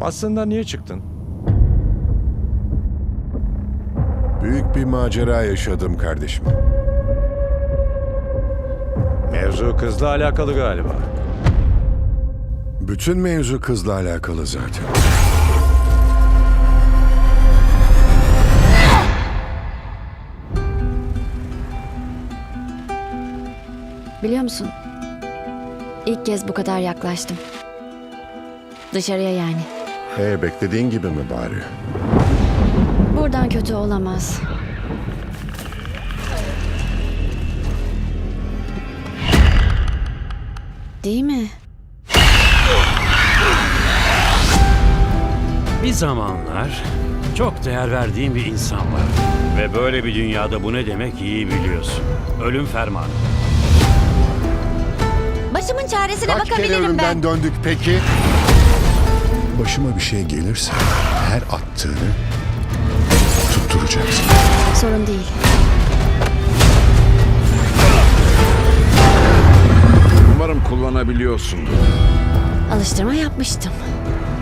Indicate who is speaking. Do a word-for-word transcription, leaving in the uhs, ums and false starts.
Speaker 1: Aslında niye çıktın?
Speaker 2: Büyük bir macera yaşadım kardeşim.
Speaker 1: Mevzu kızla alakalı galiba.
Speaker 2: Bütün mevzu kızla alakalı zaten.
Speaker 3: Biliyor musun? İlk kez bu kadar yaklaştım. Dışarıya yani.
Speaker 2: He, beklediğin gibi mi bari?
Speaker 3: Buradan kötü olamaz. Değil mi?
Speaker 4: Bir zamanlar çok değer verdiğim bir insan var. Ve böyle bir dünyada bu ne demek iyi biliyorsun. Ölüm fermanı.
Speaker 3: Başımın çaresine
Speaker 2: Kaç kere
Speaker 3: bakabilirim
Speaker 2: ölümden
Speaker 3: ben.
Speaker 2: döndük peki? Başıma bir şey gelirse her attığını tutturacaksın.
Speaker 3: Sorun değil.
Speaker 5: Umarım kullanabiliyorsun.
Speaker 3: Alıştırma yapmıştım.